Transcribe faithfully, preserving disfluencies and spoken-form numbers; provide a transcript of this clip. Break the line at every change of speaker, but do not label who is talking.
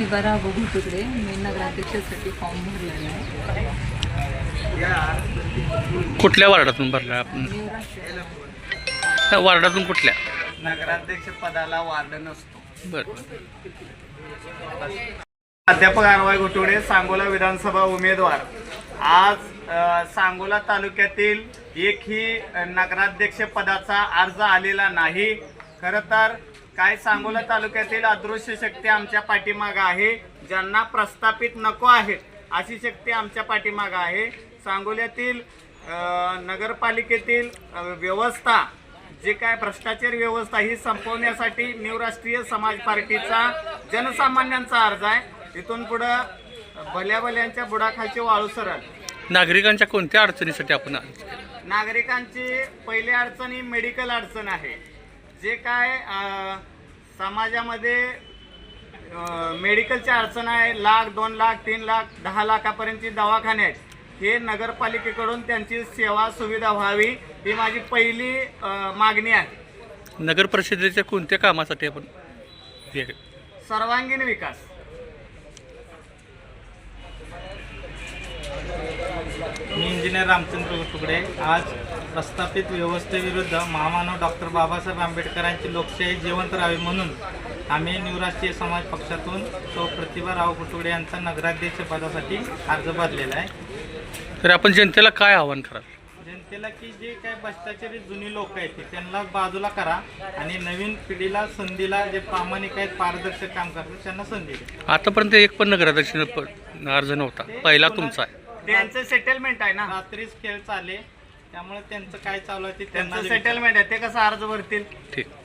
प्रतिभा बघू तिकडे मी नगराध्यक्षासाठी फॉर्म भरलेला आहे.
कुठल्या वार्डातून भरला आपण?
निवराष्ट्र
त्या वार्डातून कुठल्या?
नगराध्यक्ष पदाला वार्ड नसतो.
बरं.
प्राध्यापक आरवाय घोटुडे, सांगोला विधानसभा उमेदवार. आज अ, सांगोला तालुक्यातील एकही नगराध्यक्ष पदाचा अर्ज आलेला नाही. खरं तर काय सांगोला तालुक्यातील अदृश्य शक्ती आमच्या पाठीमागं आहे. ज्यांना प्रस्थापित नको आहेत अशी शक्ती आमच्या पाठीमागं आहे. सांगोल्यातील अ, नगरपालिकेतील अ, व्यवस्था जे काय भ्रष्टाचार व्यवस्था ही संपवण्यासाठी न्यू राष्ट्रीय समाज पार्टीचा जनसामान्यांचा अर्ज आहे. इथून पुढं भल्या भल्यांच्या बुडाखालची वाळू सरळ.
नागरिकांच्या कोणत्या अडचणीसाठी आपण आलो?
नागरिकांची पहिली अडचण ही मेडिकल अडचण आहे. जे काय अ, समाजामध्ये अ, मेडिकलची अडचण आहे. लाख दोन लाख तीन लाख दहा लाखापर्यंतची दवाखाने आहेत. हे नगरपालिकेकडून त्यांची सेवा सुविधा व्हावी ही माझी पहिली अ, मागणी आहे.
नगर परिषदेच्या कोणत्या कामासाठी आपण हे-
सर्वांगीण विकास.
मी इंजिनियर रामचंद्र तुकडे. आज प्रस्थापित व्यवस्थेविरुद्ध महामानव डॉक्टर बाबासाहेब आंबेडकरांची लोकशाही जिवंत राहावी म्हणून आम्ही न्यू राष्ट्रीय समाज पक्षातून तो प्रतिभा राव कुटुडे यांचा नगराध्यक्ष पदासाठी अर्ज भरलेला आहे.
तर आपण जनतेला काय आवाहन कराल?
जनतेला की जे काय भ्रष्टाचारी जुनी लोक आहेत ते त्यांना बाजूला करा आणि नवीन पिढीला संधीला जे प्रामाणिक आहेत पारदर्शक काम करतात त्यांना संधी द्या.
आतापर्यंत एक पण नगराध्यक्ष अर्ज नव्हता, पहिला तुमचा आहे.
त्यांचं सेटलमेंट आहे ना.
रात्रीच खेळ चालले त्यामुळे त्यांचं काय चालू आहे ते त्यांना
त्यांचं सेटलमेंट आहे. ते कसं अर्ज भरतील?
ठीक.